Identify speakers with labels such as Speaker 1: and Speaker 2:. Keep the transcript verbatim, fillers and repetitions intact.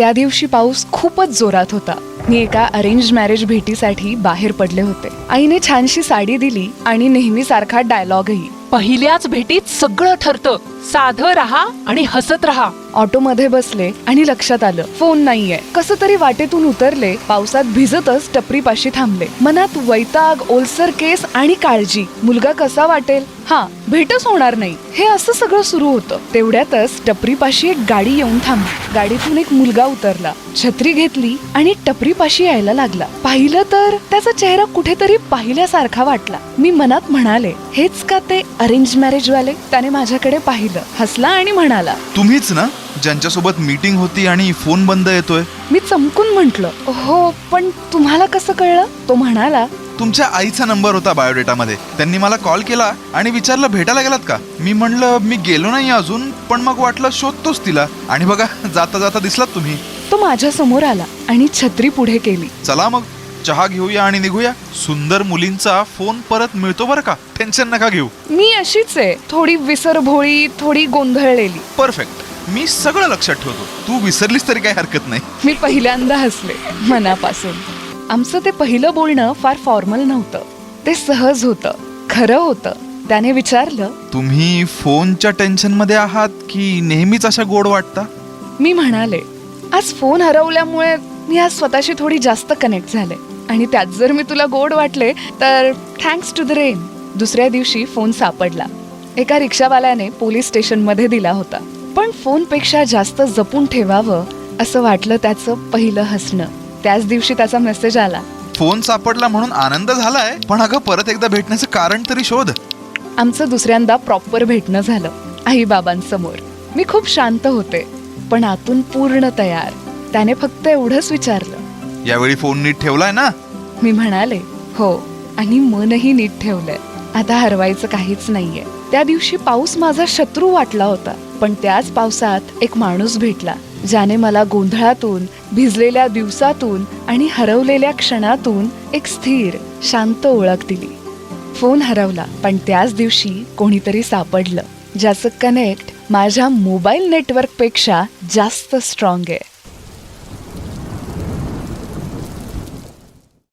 Speaker 1: त्या दिवशी पाऊस खूपच जोरात होता. मी एका अरेंज मॅरेज भेटीसाठी बाहेर पडले होते. आईने छानशी साडी दिली आणि नेहमीसारखा डायलॉगही.
Speaker 2: पहिल्याच भेटीत सगळं ठरतं. साधं राहा आणि हसत राहा.
Speaker 1: ऑटोमध्ये बसले आणि लक्षात आलं फोन नाहीये. कसं तरी वाटेतून उतरले. पावसात भिजतच टपरीपाशी थांबले. मनात वैताग, ओलसर केस आणि काळजी. मुलगा कसा वाटेल, हा भेटच होणार नाही, हे असं सगळं सुरू होतं. तेवढ्यातच टपरीपाशी एक गाडी येऊन थांबली. गाडीतून एक मुलगा उतरला, छत्री घेतली आणि टपरीपाशी यायला लागला. पाहिलं तर त्याचा चेहरा कुठेतरी पाहिल्यासारखा वाटला. मी मनात म्हणाले, हेच का ते अरेंज मॅरेज वाले? त्याने माझ्याकडे पाहिलं, हसला आणि म्हणाला,
Speaker 3: तुम्हीच ना ज्यांच्यासोबत मीटिंग होती आणि फोन बंद येतोय?
Speaker 1: मी चमकून म्हंटल, हो पण तुम्हाला कसं कळलं? तो म्हणाला,
Speaker 3: तुमच्या आईचा नंबर होता बायोडेटामध्ये. त्यांनी मला कॉल केला आणि विचारलं भेटायला गेलात का? मी म्हणलं मी गेलो नाही अजून, पण मग वाटलं शोधतोच तिला, आणि बघा जाता जाता दिसलात तुम्ही.
Speaker 1: तो माझ्या समोर आला आणि छत्री पुढे केली.
Speaker 3: चला मग चहा घेऊया आणि निघूया. सुंदर मुलींचा फोन परत मिळतो बरं का, टेन्शन नका घेऊ.
Speaker 1: मी अशीच आहे, थोडी विसरभोळी, थोडी गोंधळलेली.
Speaker 3: परफेक्ट, मी सगळं लक्षात ठेवतो. तू विसरलीस तरी काही हरकत नाही.
Speaker 1: मी पहिल्यांदा हसले मनापासून. आमचं ते पहिलं बोलणं फार फॉर्मल नव्हतं. ते सहज होतं, खरं होतं. त्याने विचारलं,
Speaker 3: तुम्ही फोनच्या टेन्शन मध्ये आहात की नेहमीच अशा गोड वाटता?
Speaker 1: मी म्हणाले, आज फोन हरवल्यामुळे मी आज स्वतःशी थोडी जास्त कनेक्ट झाले, आणि त्यात जर मी तुला गोड वाटले तर थँक्स टू द रेन. दुसऱ्या दिवशी फोन सापडला. एका रिक्षावाल्याने पोलीस स्टेशन मध्ये दिला होता. पण फोनपेक्षा जास्त जपून ठेवावं असं वाटलं त्याचं पहिलं हसणं. त्याच दिवशी त्याचा मेसेज आला,
Speaker 3: फोन सापडला म्हणून आनंद झालाय, पण अगं परत एकदा भेटण्याचं कारण तरी शोध.
Speaker 1: आमचं दुसऱ्यांदा प्रॉपर भेटणं झालं आई बाबांसमोर. मी खूप शांत होते, पण आतून पूर्ण तयार. त्याने फक्त एवढंच विचारलं,
Speaker 3: यावेळी फोन नीट ठेवलाय ना?
Speaker 1: मी म्हणाले, हो, आणि मनही नीट ठेवलंय. आता हरवायचं काहीच नाहीये. त्या दिवशी पाऊस माझा शत्रू वाटला होता, पण त्याच पावसात एक माणूस भेटला, ज्याने मला गोंधळातून, भिजलेल्या दिवसातून आणि हरवलेल्या क्षणातून एक स्थिर, शांत ओळख दिली. फोन हरवला, पण त्याच दिवशी कोणीतरी सापडलं, ज्याचं कनेक्ट माझ्या मोबाईल नेटवर्कपेक्षा जास्त स्ट्रॉंग आहे.